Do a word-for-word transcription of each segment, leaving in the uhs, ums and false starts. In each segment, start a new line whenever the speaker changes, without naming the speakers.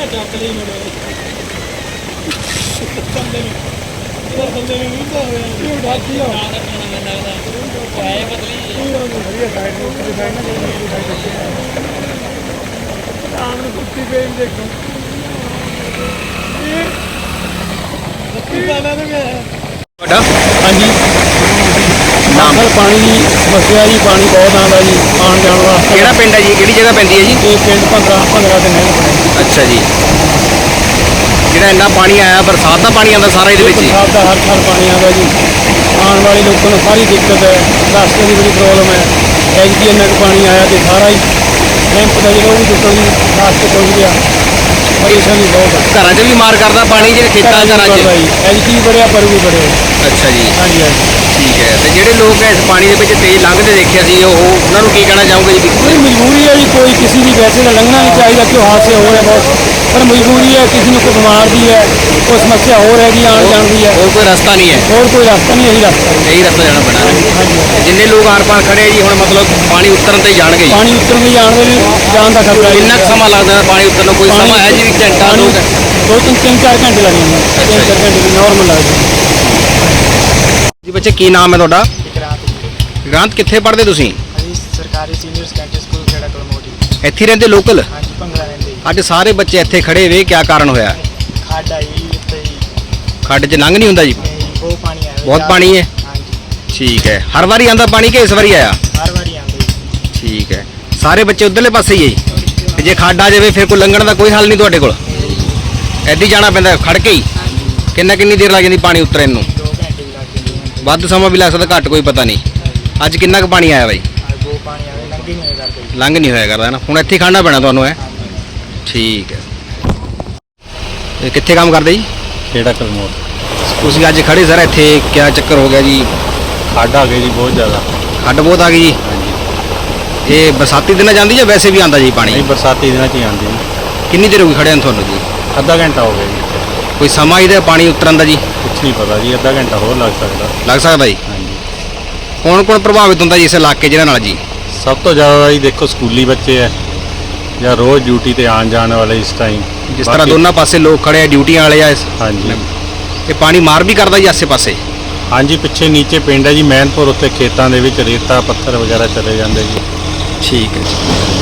हाँ जी नाम पानी की समस्या जी पानी बहुत आता जी आने जाने वास्ते
ਕਿਹੜਾ ਪਿੰਡ ਹੈ ਜੀ ਕਿਹੜੀ ਜਗ੍ਹਾ ਪੈਂਦੀ ਹੈ ਜੀ
ये पिंड भंगरा भंगरा के नहर बने
ਅੱਛਾ ਜੀ ਜਿਹੜਾ ਇੰਨਾ ਪਾਣੀ ਆਇਆ ਬਰਸਾਤ ਦਾ ਪਾਣੀ ਆਉਂਦਾ ਸਾਰਾ ਇਹਦੇ ਵਿੱਚ ਹੀ
बरसात का हर साल पानी आता जी आने वाले लोगों को सारी दिक्कत है रास्ते की बड़ी प्रॉब्लम है एजकी इन्ना पानी आया तो सारा ही कैंप का जो भी टुटन जी रास्ते पहुँच गया परेशानी बहुत है
ਘਰਾਂ 'ਚ ਵੀ ਮਾਰ ਕਰਦਾ ਪਾਣੀ ਜਿਹੜੇ ਖੇਤਾਂ ਘਰਾਂ 'ਚ
एजकी भी बढ़िया पर भी बढ़े
ਅੱਛਾ ਜੀ
हाँ जी हाँ जी
ਠੀਕ ਹੈ ਤੇ ਜਿਹੜੇ ਲੋਕ ਇਸ ਪਾਣੀ ਦੇ ਵਿੱਚ ਤੇਜ਼ ਲੰਘਦੇ ਦੇਖਿਆ ਸੀ ਉਹ ਉਹਨਾਂ ਨੂੰ ਕੀ ਕਹਿਣਾ ਚਾਹੋਗੇ ਜੀ
कोई मजबूरी है जी कोई किसी की वैसे तो लंघना नहीं चाहिए क्यों हादसे हो रहे बहुत पर मजबूरी है किसी ने कोई बीमार भी है कोई समस्या हो रहेगी आने जान की है
ਹੋਰ ਕੋਈ ਰਸਤਾ ਨਹੀਂ ਹੈ
और कोई रास्ता नहीं यही रास्ता है
ਇਹੀ ਰਸਤਾ ਜਾਣਾ ਪੈਣਾ ਹੈ
हाँ जी
ਜਿੰਨੇ ਲੋਕ ਆਰ ਪਾਰ ਖੜੇ ਆ ਜੀ ਹੁਣ ਮਤਲਬ ਪਾਣੀ ਉਤਰਨ ਤੇ ਹੀ ਜਾਣਗੇ ਜੀ
पानी उतर में जान में जान का खतरा है
ਕਿੰਨਾ ਕੁ ਸਮਾਂ ਲੱਗਦਾ ਹੈ ਪਾਣੀ ਉਤਰਨ ਨੂੰ ਕੋਈ ਸਮਾਂ ਹੈ ਜੀ ਵੀ ਘੰਟਾ ਦੋ ਘੰਟੇ
दो तीन तीन चार घंटे लगे हैं तीन चार घंटे नॉर्मल लगते
ਜੀ ਬੱਚੇ ਕੀ ਨਾਮ ਹੈ ਤੁਹਾਡਾ ਗ੍ਰਾਂਤ ਕਿੱਥੇ ਪੜ੍ਹਦੇ ਤੁਸੀਂ
हैं सरकारी senior secondary school Khera Kalmoti
ਇੱਥੇ ਰਹਿੰਦੇ ਲੋਕਲ
हाँ जी भंगरा रहते
ਅੱਜ ਸਾਰੇ ਬੱਚੇ ਇੱਥੇ ਖੜੇ ਵੇ ਕੀ ਕਾਰਨ ਹੋਇਆ
खड आई उत्ते
ਖੱਡ 'ਚ ਲੰਘ ਨਹੀਂ ਹੁੰਦਾ ਜੀ
बहुत पानी आया
ਬਹੁਤ ਪਾਣੀ ਹੈ
हाँ जी
ਠੀਕ ਹੈ ਹਰ ਵਾਰੀ ਆਂਦਾ ਪਾਣੀ ਕਿ ਇਸ ਵਾਰੀ ਆਇਆ
हर बारी आंदी
ਠੀਕ ਹੈ ਸਾਰੇ ਬੱਚੇ ਉਧਰਲੇ ਪਾਸੇ ਹੀ ਹੈ ਜੀ ਤੇ ਜੇ ਖੱਡ ਆ ਜਾਵੇ ਫਿਰ ਕੋਈ ਲੰਘਣ ਦਾ ਕੋਈ ਹੱਲ ਨਹੀਂ ਤੁਹਾਡੇ ਕੋਲ ਐਦੀ ਜਾਣਾ ਪੈਂਦਾ ਖੜ ਕੇ ਹੀ ਕਿੰਨਾ ਕਿੰਨੀ ਦੇਰ ਲੱਗ ਜਾਂਦੀ ਪਾਣੀ ਉਤਰਨ ਨੂੰ
दो घंटे भी लग गए
ਵੱਧ ਸਮਾਂ ਵੀ ਲੱਗ ਸਕਦਾ ਘੱਟ ਕੋਈ ਪਤਾ ਨਹੀਂ ਅੱਜ ਕਿੰਨਾ ਕੁ ਪਾਣੀ ਆਇਆ ਬਾਈ
बहुत पानी आया लंघी नहीं करते
ਲੰਘ ਨਹੀਂ ਹੋਇਆ ਕਰਦਾ ਨਾ ਹੁਣ ਇੱਥੇ ਹੀ ਖੜਨਾ ਪੈਣਾ ਤੁਹਾਨੂੰ ਹੈ ਠੀਕ ਹੈ ਇਹ ਕਿੱਥੇ ਕੰਮ ਕਰਦੇ ਜੀ
खेड़ा कलमोट
ਤੁਸੀਂ ਅੱਜ ਖੜੇ ਸਰ ਇੱਥੇ ਕਿਆ ਚੱਕਰ ਹੋ ਗਿਆ ਜੀ
खड आ गई जी बहुत ज़्यादा
ਖੱਡ ਬਹੁਤ ਆ ਗਈ ਜੀ
हाँ जी
ਇਹ ਬਰਸਾਤੀ ਦਿਨਾਂ ਜਾਂਦੀ ਜਾਂ ਵੈਸੇ ਵੀ ਆਂਦਾ ਜੀ ਪਾਣੀ
नहीं बरसाती दिन च आती
ਕਿੰਨੀ ਦੇਰ ਹੋ ਗਈ ਖੜਿਆਂ ਨੂੰ ਤੁਹਾਨੂੰ ਜੀ
अद्धा घंटा हो गया जी
ਕੋਈ ਸਮਾਂ ਇਹਦਾ ਪਾਣੀ ਉਤਰਨ ਦਾ ਜੀ
कुछ नहीं पता जी अद्धा घंटा होर लग सकता
ਲੱਗ ਸਕਦਾ ਜੀ
हाँ जी
ਕੌਣ ਕੌਣ ਪ੍ਰਭਾਵਿਤ ਹੁੰਦਾ ਜੀ ਇਸ ਇਲਾਕੇ ਜਿਹਨਾਂ ਨਾਲ ਜੀ
सब तो ज़्यादा जी देखो स्कूली बच्चे है या रोज़ ड्यूटी ते आन जाने वाले इस टाइम
ਜਿਸ ਤਰ੍ਹਾਂ ਦੋਨਾਂ ਪਾਸੇ ਲੋਕ ਖੜੇ ਆ ਡਿਊਟੀਆਂ ਵਾਲੇ ਆ ਇਸ
हाँ जी
ਇਹ ਪਾਣੀ ਮਾਰ ਵੀ ਕਰਦਾ ਜੀ ਆਸੇ ਪਾਸੇ
हाँ जी पिछे नीचे पिंड है जी मैनपुर उत्ते खेतों के विच रेता पत्थर वगैरह चले जाते जी
ਠੀਕ ਹੈ ਜੀ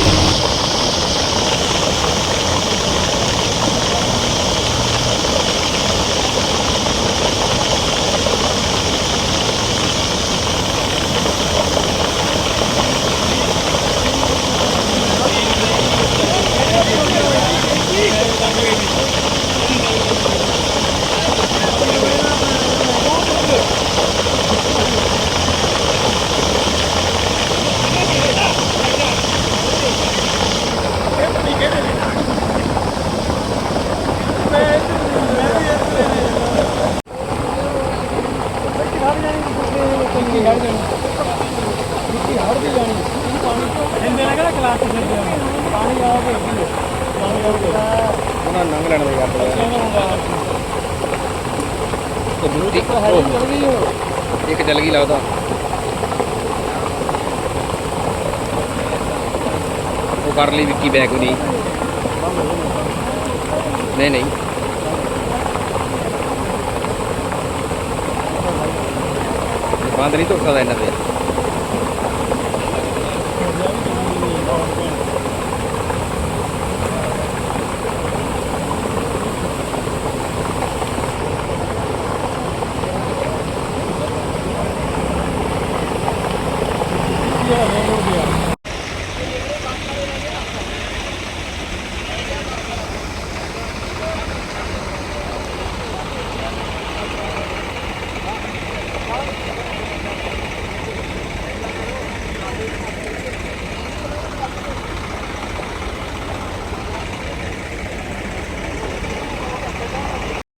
ਉਹਨਾਂ ਨੰਗ ਲੈਣ ਦੇ ਗੱਲ ਇੱਕ ਚੱਲ ਗਈ ਲੱਗਦਾ ਉਹ ਕਰ ਲਈ ਵਿੱਕੀ ਬੈਗ ਨਹੀਂ ਨਹੀਂ ਨਹੀਂ ਬੰਦ ਨਹੀਂ ਧੁੱਪ ਸਕਦਾ ਇਹਨਾਂ ਤੇ